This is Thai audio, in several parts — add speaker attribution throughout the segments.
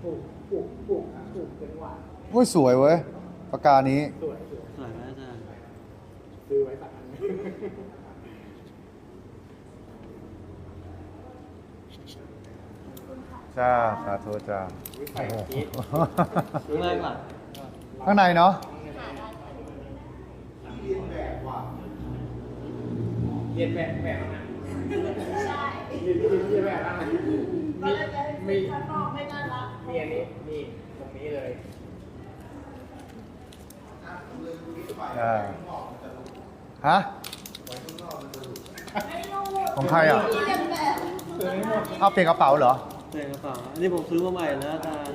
Speaker 1: ปลูกเป็นหวาน
Speaker 2: โอ้ยสวยเว้ยปากกานี้
Speaker 1: สวย
Speaker 3: สวยไหมอาจารย์
Speaker 1: ซื้อไว้สักอัน
Speaker 2: จ้าสาธุจ้า
Speaker 1: ใส่ชีส
Speaker 3: ข้างในก่อน
Speaker 2: ข้างในเนาะ
Speaker 1: เรียนแบบนะใช่เรียนแบบนะมีข้างนอกไม่น่ารักมีอันนี้นี่ตรงนี้เลย
Speaker 2: ฮะของใครอ่ะเอาเปลี่ยนกระเป๋าเหรอ
Speaker 3: เปลี่ยนกระเป๋าอันนี้ผมซื้อมาใหม่นะอาจารย์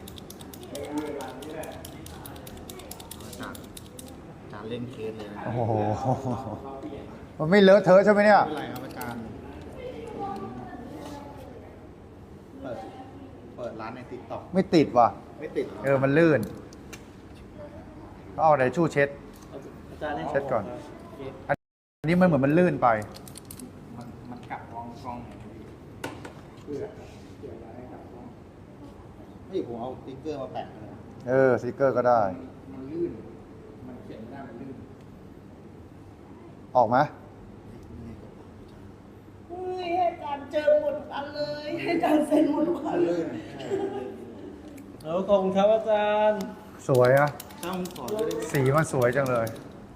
Speaker 4: การเล่นเคสเลยนะ
Speaker 2: โอ้โหมันไม่เลอะเทอะใช่ไหมเนี่ย
Speaker 4: ไม่เป็นไรครับอาจารย์เปิดร้านในติ๊กต็อก
Speaker 2: ไม่ติดว่ะ
Speaker 4: ไม่ติด
Speaker 2: มันลื่นก็เอาไหนชู่เช็ด
Speaker 3: อาจารย์ให้
Speaker 2: เช็ดก่อน อันนี้มันเหมือนมันลื่นไป
Speaker 1: มันกลับกล้องเพื่ออะไรกลับกล้อง
Speaker 4: ไม่ผมเอาสติ๊กเกอร์มาแปะเลย
Speaker 2: สติกเกอร์ก็ได้
Speaker 1: มันลื่นมันเขียนไม่ได้มันลื่น
Speaker 2: ออกไหม
Speaker 5: เฮ้ยให้อาจารย์เจอหมดอันเลยให้อาจารย์เซ็นหมดทุกอันเลย
Speaker 3: ขอบคุณครับอาจารย์
Speaker 2: สวยอะ
Speaker 4: ช่างขอด้วยได้ไหม
Speaker 2: สีมันสวยจังเลย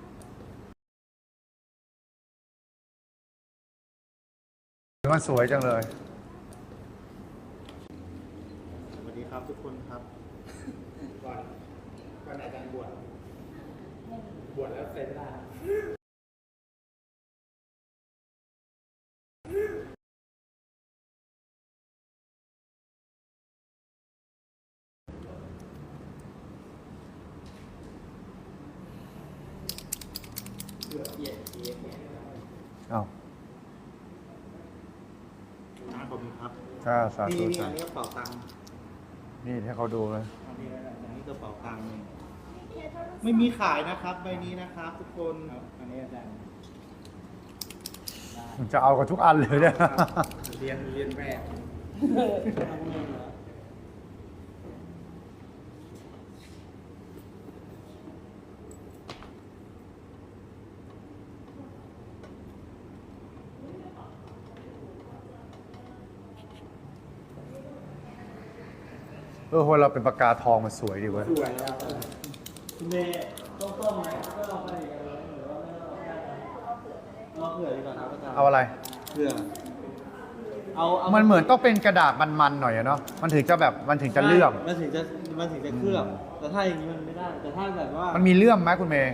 Speaker 2: สีมันสวยจังเลย
Speaker 4: สวัสดีครับทุกคนครับ
Speaker 1: ก่อนอาจารย์บวชแล้วเซ็นได้
Speaker 2: อ้าว
Speaker 4: ขอบคุณครับ
Speaker 2: จ้าสาธุ
Speaker 4: นี่
Speaker 2: จ้า
Speaker 4: อันนี้กระเป๋าตังค์
Speaker 2: นี่ให้เขาดูเลย
Speaker 4: อันนี้กระเป๋าตังค์ไม่มีขายนะครับใบนี้นะครับทุกคน
Speaker 1: อันนี้อาจารย์
Speaker 2: มันจะเอากันทุกอันเลยเนี่ย
Speaker 1: เรียนแบบ
Speaker 2: คนเราเป็นปากกาทองมันสวยดีเว้ย
Speaker 1: สวยแล้ว
Speaker 3: คุณเมย์ต้มไหมก็ลองไปอีกอันเลยหรือว่าไม่ต้องเอาเผื่อดีกว่าครับอาจารย์
Speaker 2: เอาอะไร
Speaker 3: เผื่อเอา
Speaker 2: มันเหมือนต้องเป็นกระดาษมันๆหน่อยอะเนาะ มันถึงจะแบบมันถึงจะเลื่อม
Speaker 3: มันถึงจะเคลือบแต่ถ้าอย่างนี้มันไม่ได้ แต่ถ้าแบบว่า
Speaker 2: มันมีเลื่อมไหมคุณเมย์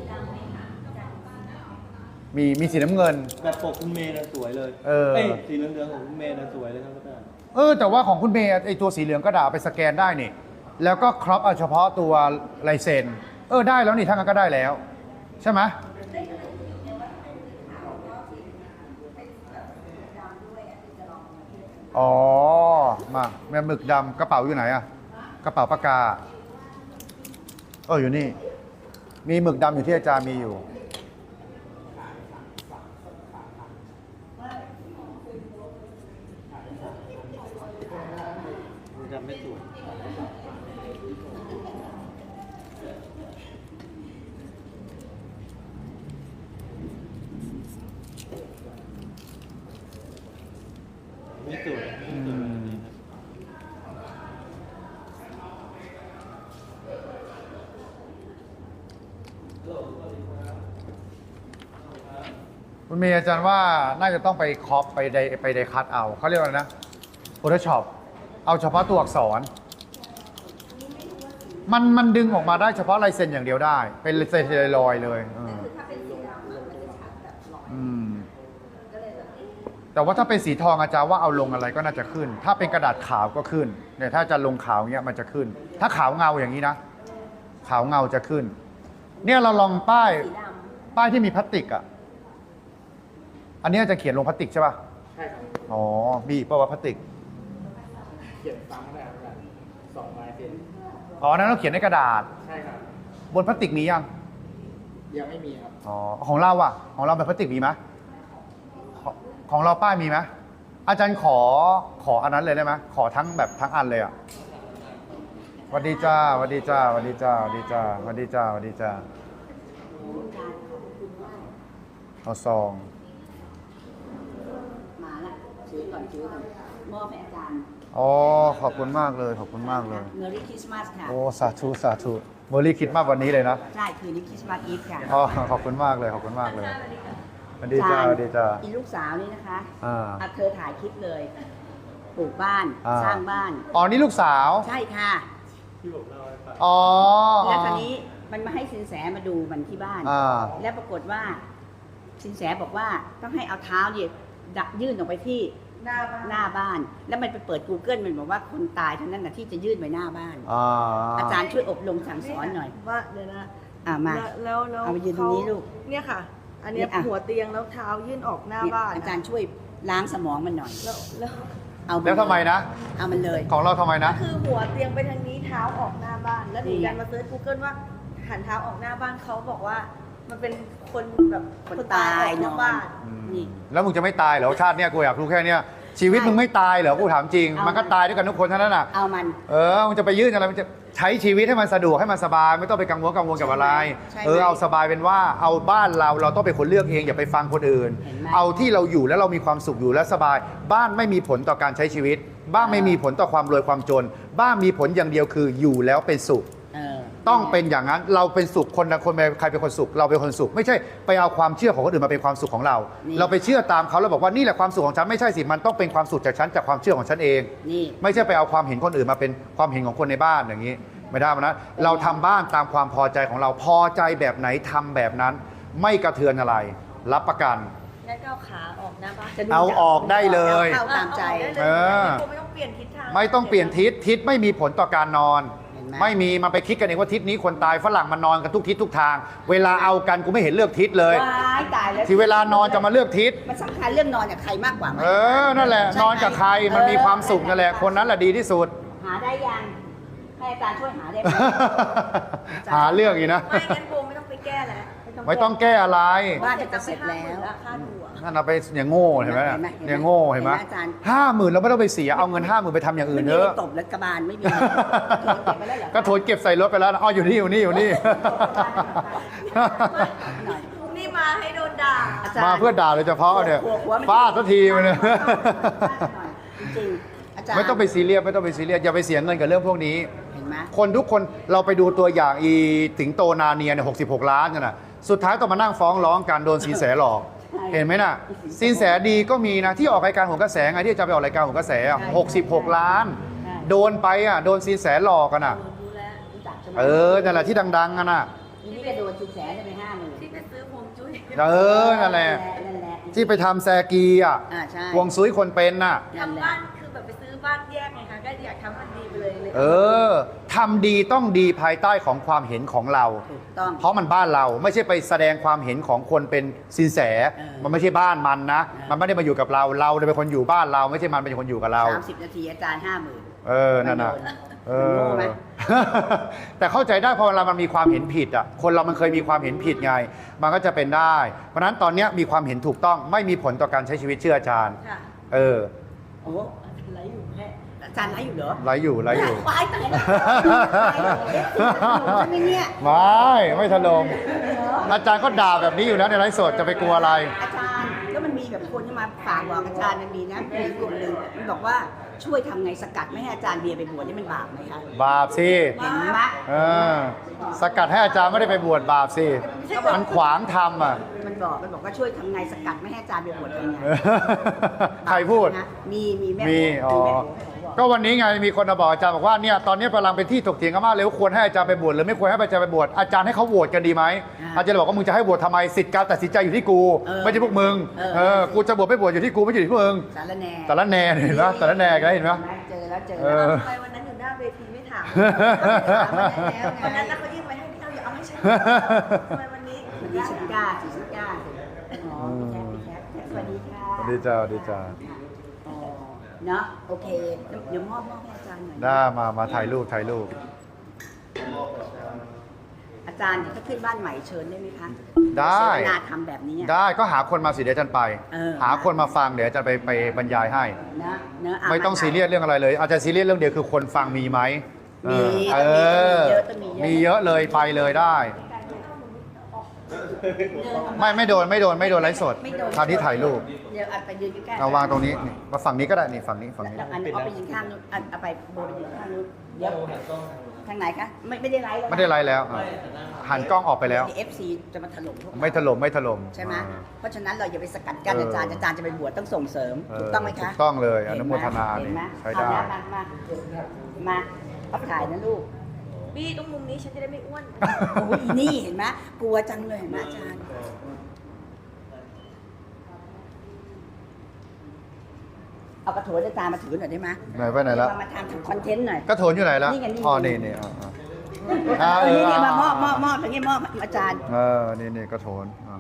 Speaker 2: มีสีน้ำเงิน
Speaker 3: แบบปกคุณเมย์น่ะสวยเลย ยสีเหลืองๆของคุณเมย์น่ะสวยเลยครับอาจารย์
Speaker 2: แต่ว่าของคุณเมย์ไอตัวสีเหลืองกระดาษไปสแกนได้นี่ แล้วก็ครอปเอาเฉพาะตัวลายเซ็น ได้แล้วนี่ทั้งนั้นก็ได้แล้ว ใช่ไหมอ๋อ มาแม่หมึกดำกระเป๋าอยู่ไหนอะกระเป๋าปากกา อยู่นี่ มีหมึกดำอยู่ที่อาจารย์มีอยู่
Speaker 3: จำไม่ถูกไม่สวยไม่สวยแบบนี้ครับ
Speaker 2: คุณเมย์อาจารย์ว่าน่าจะต้องไปคอปไปไดคัตเอาเขาเรียกว่าอะไรนะ Photoshop เอาเฉพาะตัวอักษร มันดึงออกมาได้เฉพาะลายเซ็นอย่างเดียวได้ เป็นลายเซ็นลอยๆเลยแต่ว่าถ้าเป็นสีทองอาจารย์ว่าเอาลงอะไรก็น่าจะขึ้น ถ้าเป็นกระดาษขาวก็ขึ้นเนี่ยถ้าจะลงขาวเงี้ยมันจะขึ้น ถ้าขาวเงาอย่างนี้นะ ขาวเงาจะขึ้น เนี่ยเราลองป้ายที่มีพลาสติกอ่ะ อันนี้จะเขียนลงพลาสติกใช่ป่ะ
Speaker 1: ใช่ครับ
Speaker 2: อ๋อ มีอีกป่าวะพลาสติก
Speaker 1: เขียนซ้ำได้ครับ2 ลายเซ็น
Speaker 2: อ๋อ นั้นเราเขียนในกระดาษ
Speaker 1: ใช่ครับ
Speaker 2: บนพลาสติกมียัง
Speaker 1: ยังไม่มีครับ
Speaker 2: อ๋อ ของเราอ่ะ ของเราเป็นพลาสติกมีไหมของเราป้ายมีไหมอาจารย์ขออันนั้นเลยได้ไหมขอทั้งแบบทั้งอันเลยอ่ะวัสดีจ้าสวัสดีจ้าสวัสดีจ้าสวัสดีจ้าสวัสดีจ้าสวัสดีจ้าเอาซอง
Speaker 6: มาละซื้อก่อนมอบให้อาจารย์
Speaker 2: อ๋อขอบคุณมากเลยขอบคุณมากเลย
Speaker 6: เมอรี่คริสต์มาสค่ะ
Speaker 2: โอ้สาธุสาธุเมอรี่คิดมากวันนี้เลยนะ
Speaker 6: ใช่คืนนี้คริสต์มาสอีฟค่ะ
Speaker 2: อ๋อขอบคุณมากเลยขอบคุณมากเลยสวัสดีจ้าสวัสดีจ้า
Speaker 6: อีลูกสาวนี่นะคะ
Speaker 2: อ่า
Speaker 6: เธอถ่ายคลิปเลยปลูกบ้าน
Speaker 2: อ่า
Speaker 6: สร้างบ้าน
Speaker 2: อ๋อนี่ลูกสาว
Speaker 6: ใช่ค่ะ
Speaker 2: อ๋อ
Speaker 6: แล้วคราวนี้มันมาให้สินแสมาดูมันที่บ้าน
Speaker 2: อ่า
Speaker 6: แล้วปรากฏว่า สินแสบอกว่าต้องให้เอาเท้าเนี่ยยื่นออกไปที่
Speaker 5: หน้าบ้าน
Speaker 6: หน้าบ้าน แล้วมันไปเปิด Google มันบอกว่าคนตายเท่านั้นนะที่จะยื่นไปหน้าบ้าน
Speaker 2: อ่า
Speaker 6: อาจารย์ช่วยอบรมสั่งสอนหน่อย
Speaker 5: ว่าเดี๋ยวนะ
Speaker 6: มา
Speaker 5: แล้ว
Speaker 6: เอาไปยืนตรงนี้ลูก
Speaker 5: เนี่ยค่ะ อันเนี้ย
Speaker 6: เนี่ยอ่ะ
Speaker 5: หัวเตียงแล้วเท้ายื่นออกหน้า
Speaker 6: เนี่ย
Speaker 5: บ้าน
Speaker 6: อาจารย์ช่วยล้างสมองมันหน่อย
Speaker 5: แล้ว
Speaker 6: เอาน
Speaker 2: แล้วทำไมนะ
Speaker 6: เอามันเลย
Speaker 2: ของเราทำไมนะ
Speaker 5: คือหัวเตียงไปทางนี้เท้าออกหน้าบ้าน แล้วหนู
Speaker 6: นี่ไง
Speaker 5: ยันมาเซิร์ช Google ว่าหันเท้าออกหน้าบ้านเขาบอกว่า มันเป็นคนแบบ
Speaker 6: คนตาย
Speaker 5: ออก
Speaker 6: น
Speaker 5: ห
Speaker 6: อ
Speaker 5: น้าน บ้าน
Speaker 6: นี่
Speaker 2: แล้วมึงจะไม่ตายเหรอชาติเนี้ยกูอยากรู้แค่เนี้ยชีวิตมึงไม่ตายเหรอกูถามจริง
Speaker 6: เอามั
Speaker 2: มันก็ตายด้วยกันทุกคนเท่านั้นน่ะ
Speaker 6: เอามัน
Speaker 2: มึงจะไปยื่นอะไรมันจะใช้ชีวิตให้มันสะดวกให้มันสบายไม่ต้องไปกังวลกับอะไร
Speaker 6: ใช่ไหม
Speaker 2: เอาสบายเป็นว่าเอาบ้านเราต้องเป็นคนเลือกเองอย่าไปฟังคนอื่น
Speaker 6: เห็นไหม
Speaker 2: เอาที่เราอยู่แล้วเรามีความสุขอยู่และสบาย บ้านไม่มีผลต่อการใช้ชีวิต บ้านไม่มีผลต่อความรวยความจน บ้านมีผลอย่างเดียวคืออยู่แล้วเป็นสุข
Speaker 6: เออ
Speaker 2: ต้องเป็นอย่างนั้นเราเป็นสุขคนละคนใครเป็นคนสุขเราเป็นคนสุข ไม่ใช่ไปเอาความเชื่อของคนอื่นมาเป็นความสุขของเรา
Speaker 6: นี่
Speaker 2: เราไปเชื่อตามเขาแล้วบอกว่านี่แหละความสุขของฉันไม่ใช่สิมันต้องเป็นความสุขจากฉันจากความเชื่อของฉันเอง
Speaker 6: นี่
Speaker 2: ไม่ใช่ไปเอาความเห็นคนอื่นมาเป็นความเห็นของคนในบ้านอย่างนี้ ไม่ได้นะเราทำบ้านตามความพอใจของเราพอใจแบบไหนทำแบบนั้น ไม่กระเทือนอะไร รับประกัน
Speaker 5: งั้นก็เอาขาออกหน้าบ้าน
Speaker 6: จะดู
Speaker 2: เอาออกได้เลย
Speaker 6: เข้าตามใจ
Speaker 2: เออ
Speaker 5: ไม่ต้องเปลี่ยนทิศทาง
Speaker 2: ไม่ต้องเปลี่ยนทิศไม่มีผลต่อการนอน
Speaker 6: เห็นไหม
Speaker 2: ไม่มีมันไปคิดกันเองว่าทิศนี้คนตายฝรั่งมันนอนกันทุกทิศทุกทาง เวลาเอากันกูไม่เห็นเลือกทิศเลย
Speaker 6: ว้ายตายแล้ว
Speaker 2: ที่เวลานอนจะมาเลือกทิศ
Speaker 6: มันสำคัญเรื่องนอนกับใครมากกว่าไหม
Speaker 2: นั่นแหละ
Speaker 6: ใช่ไหม
Speaker 2: นอนกับใครมันมีความสุข
Speaker 6: เออ
Speaker 2: นั่นแหละคนนั้นแหละดีที่สุด
Speaker 6: หาได้ยังให้อาจารย์ช่วยหาได้ไหม
Speaker 2: หาเรื่องอีกนะ
Speaker 5: ไม่งั้นโบไม่ต้องไปแก้แล้ว
Speaker 2: ไม่ต้องแก้อะไร
Speaker 6: บ้านจะเสร็จแล้ว
Speaker 5: ค่าดูอะ
Speaker 2: นั่นเอาไปอย่างโง่เห็นไหม
Speaker 6: เห็นไหม
Speaker 2: อย่างโง่เห็นไหม
Speaker 6: เห็นไหมอาจารย์
Speaker 2: 50,000เราไม่ต้องไปเสียเอาเงิน50,000ไปทำอย่างอื่
Speaker 6: ไม่
Speaker 2: น
Speaker 6: มี
Speaker 2: เถ
Speaker 6: อะไร
Speaker 2: อะ
Speaker 6: ตบแล้วกระบาลไม่มีอะไรเก็บไปแล้วเหรอ
Speaker 2: ก็โถนเก็บใส่รถไปแล้วนะอ๋ออยู่นี่อยู่นี่อยู่นี่
Speaker 6: หน่อย
Speaker 5: นี่มาให้โดนด่า
Speaker 6: อาจารย์
Speaker 2: มาเพื่อด่าโดยเฉพาะเนี่ย
Speaker 6: หัวมัน
Speaker 2: ฟาดสักทีมันเนี่ย
Speaker 6: จริงๆอาจารย์
Speaker 2: ไม่ต้องไปซีเรียสไม่ต้องไปซีเรียสอย่าไปเสียเงินกับเรื่องพวกนี้
Speaker 6: เห็นไหม
Speaker 2: คนทุกคนเราไปดูตัวอย่างอีสิงโตนาเนียเนี่ย66 ล้านกันน่ะสุดท้ายต้องมานั่งฟ้องร้องกันโดนสินแสหลอก เห็นไหมน่ะสินแสดีก็มีนะที่ออกรายการโหนกระแสไงที่จะไปออกรายการโหนกระแสอะ66 ล้าน โดนไปอ่ะโดนสินแสหลอกกันอ่ะ
Speaker 6: รู้แล้วรู้จักใช่ไหม
Speaker 2: นั่นแหละที่ดังๆกันน่ะ
Speaker 6: ทีนี้ก็โดนสินแสจะไป50,000
Speaker 5: ที่ไปซื้อพวงจุ้ย
Speaker 2: นั่นแหละ
Speaker 6: นั่นแหละ
Speaker 2: ที่ไปทำแซกีอ่ะ
Speaker 6: ใช่
Speaker 2: ฮวงซุยคนเป็นน่ะ
Speaker 6: นั่นแห
Speaker 5: ทำ
Speaker 6: ละ
Speaker 5: บ้านคือแบบไปซื้อบ้านแยกไงคะก็อยากทำมันดีไปเลย
Speaker 2: ทำดีต้องดีภายใต้ของความเห็นของเรา
Speaker 6: ถูกต้อง
Speaker 2: เพราะมันบ้านเราไม่ใช่ไปแสดงความเห็นของคนเป็นสินแส มันไม่ใช่บ้านมันนะ มันไม่ได้มาอยู่กับเราเราเป็นคนอยู่บ้านเราไม่ใช่มันเป็นคนอยู่กับเรา
Speaker 6: 30 นาทีอาจารย์50,000
Speaker 2: นั่นน่ะ
Speaker 6: มันโง่ไหม
Speaker 2: แต่เข้าใจได้พอเวลามันมีความเห็นผิดอ่ะคนเรามันเคยมีความเห็นผิดไง มันก็จะเป็นได้ เพราะฉะนั้นตอนเนี้ยมีความเห็นถูกต้องไม่มีผลต่อการใช้ชีวิตเชื่ออาจารย์
Speaker 5: ค่ะ
Speaker 6: โอ้ไลฟ์อยู่แค่อาจารย์ไลฟ์อยู่เหรอ
Speaker 2: ไรอยู่ไรอยู่
Speaker 6: ตายตายแล้วใช่ไหมเนี่ย
Speaker 2: ไม่ถล่มอาจารย์ก็ด่าแบบนี้อยู่แล้วในไลฟ์สดจะไปกลัวอะไร
Speaker 6: อาจารย์แล้วมันมีแบบคนที่มาฝากบอกอาจารย์มันมีนะมีกลุ่มหนึ่งมันบอกว่าช่วยทำไงสกัดไม่ให้อาจารย์เบียร์ไปบวชนี่มันบาปไหมคะ
Speaker 2: บาปสิ
Speaker 6: เห็นไหม
Speaker 2: สกัดให้อาจารย์ไม่ได้ไปบวชบาปสิมันขวางทำอ่ะ
Speaker 6: มันบอกว่าช่วยทำไงสกัดไม่ให้อาจารย์ไปบวชยังไง
Speaker 2: ใครพูด
Speaker 6: นะมีแม่
Speaker 2: มี
Speaker 6: โอ๋
Speaker 2: อ๋อ
Speaker 6: แม่โอ๋บอก
Speaker 2: ก็วันนี้ไงมีคนมาบอกอาจารย์บอกว่าเนี่ยตอนนี้กำลังเป็นที่ถกเถียงกันมากเลยว่าควรให้อาจารย์ไปบวชหรือไม่ควรให้อาจารย์ไปบวชอาจารย์ให้เขาโหวตกันดีไหมอาจารย์บอกว่ามึงจะให้โหวตทำไมสิทธิการตัดสินใจอยู่ที่กูไม่ใช่พวกมึงกูจะบวชไม่บวชอยู่ที่กูไม่อยู่ที่มึง
Speaker 6: สารแหน่
Speaker 2: แต่ละแน่เห็นไหมแต่ละแน่กันเห็นไหม
Speaker 6: เจอแล้ว
Speaker 5: ทำไมวันนั้นอยู่หน้าเวทีไม่ถาม
Speaker 6: วั
Speaker 5: วัน น
Speaker 6: นั้
Speaker 5: นั้น น
Speaker 6: นะ
Speaker 5: นะเขายื่นไปให้พี่เอาอย่าเอาให้ฉันทำไมวันนี้
Speaker 6: วันนี้ชิก้าอ๋อพี่แคทสวัสดีค่ะ
Speaker 2: สวัสดีจ้าสวัสดีจ้า
Speaker 6: อ๋อเนาะโอเคเดี๋ยวมอบให้อาจารย์หน่อย
Speaker 2: ได้มาถ่ายรูปถ่ายรูป
Speaker 6: อาจารย์ถ้าขึ้นบ้านใหม่เชิญได้ไหมคะ
Speaker 2: ได้
Speaker 6: เสวนาทำแบบนี้
Speaker 2: ได้ก็หาคนมาสิเดี๋ยวอาจารย์ไป หาคนมาฟังเดี๋ยวอาจารย์ไปบรรยายให้
Speaker 6: นะเนอะ
Speaker 2: ไม่ต้องซีเรียสเรื่องอะไรเลย อาจจะซีเรียสเรื่องเดียวคือคนฟังมีไหม
Speaker 6: มี
Speaker 2: เออ มีเยอะเลยไปเลยได้ ไม่โดนไลฟ์สด
Speaker 6: ไม่โดน
Speaker 2: คราวนี้ถ่ายรูป
Speaker 6: เดี๋ยวอัดไปยืนใกล้ๆ
Speaker 2: เอาวางตรงนี้นี่มาฝั่งนี้ก็ได้นี่ฝั่งนี้ฝั่งนี้
Speaker 6: แล้วอันเอาไปยืนข้างนู้นอันเอาไปโบไปยืนข้างนู้นเดี๋ยวทางไหนคะไม่ได้ไลฟ์แล้วนะ
Speaker 2: ไม่ได้ไลฟ์แล้วอ่ะหันกล้องออกไปแล้ว
Speaker 6: เอฟซีจะมาถล่มพวกเรา
Speaker 2: ไม่ถล่ม
Speaker 6: ใช่ไหม
Speaker 2: อ่า
Speaker 6: เพราะฉะนั้นเราอย่าไปสกัดกั้น
Speaker 2: เออ
Speaker 6: อาจารย์จะไปบวชต้องส่งเสริม ถูกต้องไหมคะ
Speaker 2: ถูกต้องเลยอนุโมทนา
Speaker 6: เห็นไหม
Speaker 2: ใช้ได้
Speaker 6: เอานะมาเอาถ่ายนะลูก
Speaker 5: บี้ตรงมุมนี้ฉันจะได้ไม่อ้วน
Speaker 6: โอ้ยอีนี่เห็นไหมกลัวจังเลยเห็นไหมอาจารย์ เอากระโถนอาจารย์มาถือหน่อยได้ไหม
Speaker 2: ไหนไปไหนแล้ว
Speaker 6: มาทำคอนเทนต์หน่อย
Speaker 2: กระโถนอยู่ไหนแล้ว
Speaker 6: นี่ไงนี่
Speaker 2: อ๋อนี่นี่
Speaker 6: นี่
Speaker 2: อ่า
Speaker 6: มอบตรงนี้มอบอาจารย์
Speaker 2: นี่กระโถนอ่ะ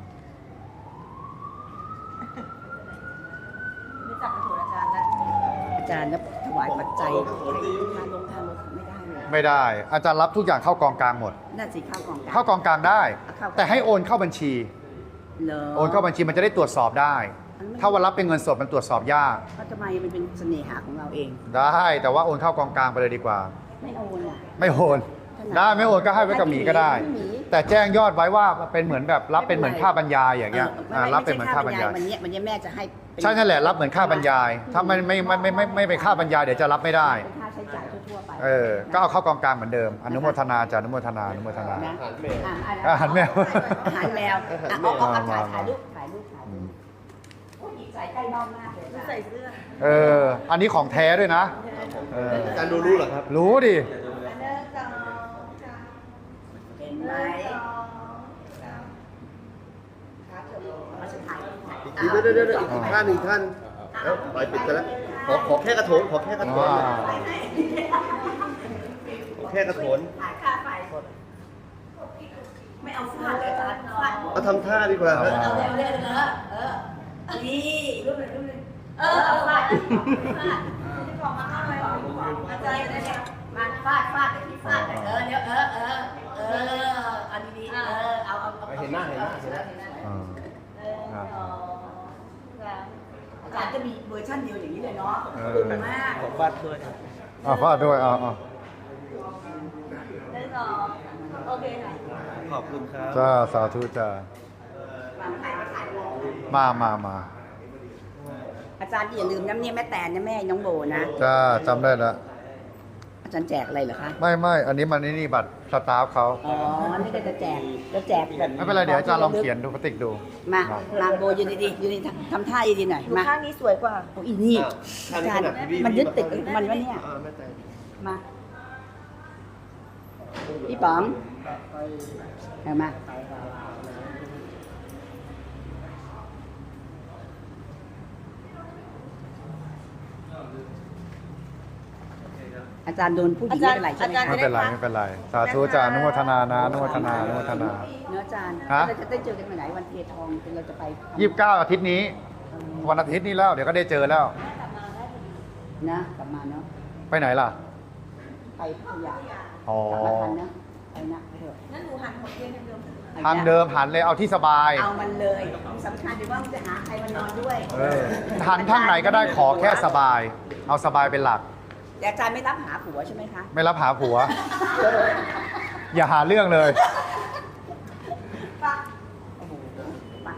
Speaker 6: ไม่จับกระโถนอาจารย์แล้วอาจารย์นะถวายปัจจัยทานลงทานรถไม่ได้เลย
Speaker 2: ไม่ได้ อาจารย์รับทุกอย่างเข้ากองกลางหมด
Speaker 6: น่าสิเข้ากองกลาง
Speaker 2: เข้ากองกลางได้
Speaker 6: เข้า
Speaker 2: แต่ให้โอนเข้าบัญชี
Speaker 6: เหรอ
Speaker 2: โอนเข้าบัญชีมันจะได้ตรวจสอบได้ ถ้าวันรับเป็นเงินสดมันตรวจสอบยาก
Speaker 6: เพราะทำไมมันเป็นเสน่หาของเราเอง
Speaker 2: ได้แต่ว่าโอนเข้ากองกลางไปเลยดีกว่า
Speaker 6: ไม่โอนอ่ะ
Speaker 2: ไม่โอนได้ไม่โอนก็ให้ไว้กับหมีก็ได้
Speaker 6: ให้หมี
Speaker 2: แต่แจ้งยอดไว้ว่าเป็นเหมือนแบบรับเป็นเหมือนค่าบรรยายอย่างเงี้ยรับเป็นเหมือนค่าบรรยาย
Speaker 6: วันนี้แม่จะให้เป็
Speaker 2: ใช่นั่นแหละรับเหมือนค่าบรรยาย ถ้าไม่เป็นค่าบรรยายเดี๋ยวจะรับไม่ได้
Speaker 6: เป็นค่าใช้จ่ายทั่วๆไป
Speaker 2: ก็เอาเข้ากองกลางเหมือนเดิม อนุโมทนาจ้ะอนุโมทนาอนุโมทนา
Speaker 6: นะ
Speaker 2: อาหารแมว
Speaker 6: อาหารแมวเอาถ่ายรูปโอ้ยใส่ใกล้นอกมากเลย
Speaker 5: ใส่เสื้อ
Speaker 2: อันนี้ของแท้ด้วยนะอาจารย์รู้เหรอครับ รู้ดิ
Speaker 6: เห็นไหม
Speaker 7: เดี๋ยวอีกท่านแล้วปล่อยปิดกันแล้วขอแค่กระโถนขอแค่กระโถนขอแค่กระโถน
Speaker 6: ถ่ายค่าไฟไม่เอาฟาดเลยอาจารย์ฟาด
Speaker 7: เอาทำท่าดีกว่า
Speaker 2: เอามา
Speaker 6: เอาเร็วนี่รูปหนึ่งเอาฟาดที่ของมาเข้าไปอาจารย์เนี่ยมาฟาดแต่ที่ฟาดเดี๋ยวอันนี้เอา
Speaker 7: เห็นหน้า
Speaker 6: อาจารย์จะมีเวอร์ชันเดียวอย่างนี้เลยเนาะมาก
Speaker 7: บัตรด้วย
Speaker 2: ฟาดด้วย
Speaker 5: โอเคค่ะ
Speaker 7: ขอบคุณครับ
Speaker 2: จ้าสาธุจ้า มา
Speaker 6: อาจารย์อย่าลืมน้ำเนี่ยแม่แตนนะแม่น้องโบนะ
Speaker 2: จ้าจำได้แล้ว
Speaker 6: อาจารย์แจกอะไรเหรอคะ
Speaker 2: ไม่อันนี้มันนี่บัตรสตาฟเขา
Speaker 6: อ๋อ นี่ก็จะแจกแบบ
Speaker 2: ไม่เป็นไรเดี๋ยวอาจารย์ลองเขียนดูพติกดู
Speaker 6: มาโบยืนดีๆยืนดีทำท่าดีๆหน่อย
Speaker 5: ดู
Speaker 6: มา
Speaker 5: ข้างนี้สวยกว่า
Speaker 6: โอ้อีนี่อาจารย์มันยึดติดมันวะเนี่ย
Speaker 7: แม่แต่
Speaker 6: มาพี่ป๋องเอามาอาจารย์โดนผู้หญิงไม่เป็นไรใช่ไหม
Speaker 2: ไม่เป็นไรสาธุจ้าอนุโมทนานะอนุโมทนา
Speaker 6: เนื้ออาจารย์
Speaker 2: ฮะ
Speaker 6: เราจะได้เจอกันวันไหนวันเทียทองเราจะไป
Speaker 2: 29อาทิตย์นี้ วันอาทิตย์นี้แล้วเดี๋ยวก็ได้เจอแล้ว
Speaker 6: นะกลับมาเนาะ
Speaker 2: ไปไหนล่ะ
Speaker 6: ไปพัทยา
Speaker 2: อ๋อก
Speaker 6: ลับมาทันนะไปนะเถอะ
Speaker 5: นั่นหนูหันหัวเตียงเดิม
Speaker 2: ทางเดิมหันเลยเอาที่สบาย
Speaker 6: เอามันเลยสำคัญคือว่ามันจะหาใครมานอนด้วย
Speaker 2: หันทางไหนก็ได้ขอแค่สบาย เอาสบายเป็นหลัก
Speaker 6: แต่อาจารย์ไม่รับหาผัวใช่ไหมคะ
Speaker 2: ไม่รับหาผัว อย่าหาเรื่องเลย
Speaker 6: โอ้โหมา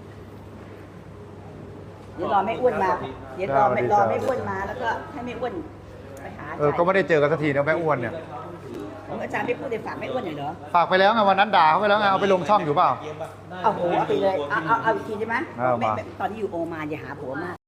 Speaker 6: เดี๋ยวรอไม่อ้วนมา เดี๋ยวรอไม่อ้วนมาแล้วก็ให้ไม่อ้วนไปหาอาจารย์
Speaker 2: ก็ไม่ได้เจอกันสักทีนะแม่อ้วนเนี่ย
Speaker 6: อาจารย์ไม่พูดเลยฝากไม่อ้วนหน่อยเหรอ
Speaker 2: ฝากไปแล้วไงวันนั้นด่าเขาไปแล้วไงเอาไปลงช่องอยู่เปล่า
Speaker 6: เอาหัวไปเลย เอาอีกทีได้ไหม
Speaker 2: เอามา
Speaker 6: ตอนที่อยู่โอมานอย่าหาผัวมาก